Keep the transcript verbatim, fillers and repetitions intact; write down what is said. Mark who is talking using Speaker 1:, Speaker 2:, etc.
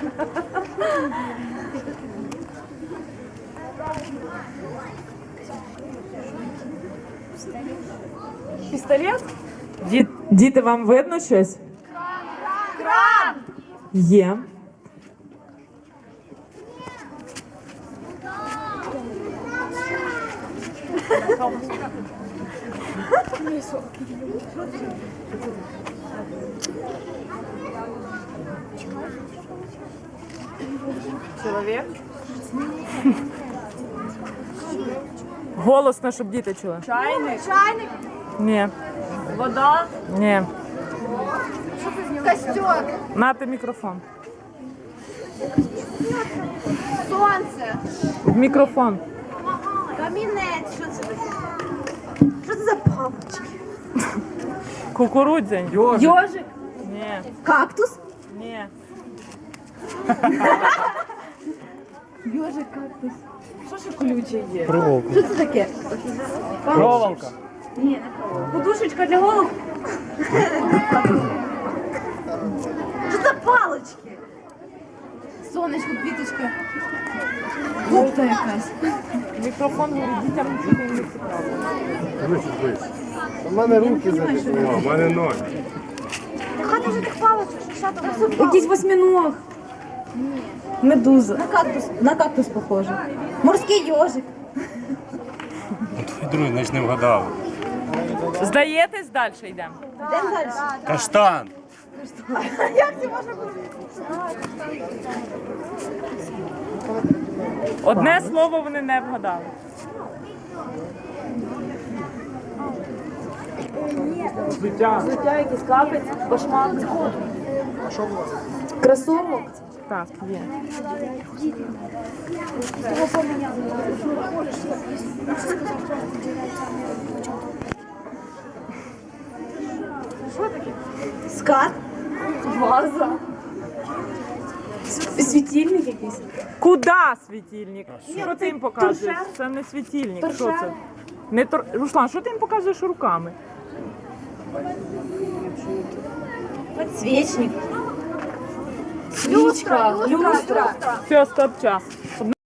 Speaker 1: Пістолет?
Speaker 2: Ді- Діти, вам видно щось?
Speaker 1: Кран!
Speaker 2: Є.
Speaker 1: Чоловік?
Speaker 2: Голосно, щоб діти чули.
Speaker 1: Чайник? Чайник?
Speaker 2: Ні.
Speaker 1: Вода?
Speaker 2: Ні.
Speaker 1: Костер?
Speaker 2: Нате мікрофон.
Speaker 1: Сонце?
Speaker 2: В мікрофон.
Speaker 1: Камінець? Що це таке? Що це за палочки?
Speaker 2: Кукурудзянь.
Speaker 1: Йожик?
Speaker 2: Ні.
Speaker 1: Кактус?
Speaker 2: Ні.
Speaker 1: Йожик, кактус. Що ще колюче є?
Speaker 3: Проволока.
Speaker 1: Що це таке?
Speaker 3: Проволока.
Speaker 1: Ні, не проволока. Подушечка для голови? Що за палочки? Сонечко, квіточка. Губка якась.
Speaker 2: Мікрофон говорить, дітям нічого не цікаво.
Speaker 3: Дивись, дивись. У мене руки закинули. У мене ноги.
Speaker 1: Хати вже тих палочок, що ще там?
Speaker 4: Якийсь восьминог. Медуза. На кактус, на кактус похоже. Морський йожик.
Speaker 3: Твій другий, значить, не вгадали.
Speaker 2: Здаєтесь, далі йдемо?
Speaker 4: Йдемо далі.
Speaker 3: Каштан.
Speaker 2: Одне слово вони не вгадали.
Speaker 3: Взуття.
Speaker 4: Якийсь капець, башмак. Кросовок.
Speaker 2: Так, є.
Speaker 4: Скат.
Speaker 1: Ваза.
Speaker 4: Світильник якийсь.
Speaker 2: Куда світильник? Що ти їм показуєш? Це не світильник. Що
Speaker 4: Торшер.
Speaker 2: це? Не тор... Руслан, що ти їм показуєш руками?
Speaker 4: Подсвечник. Свічка. Люстра.
Speaker 2: Все, стоп, час.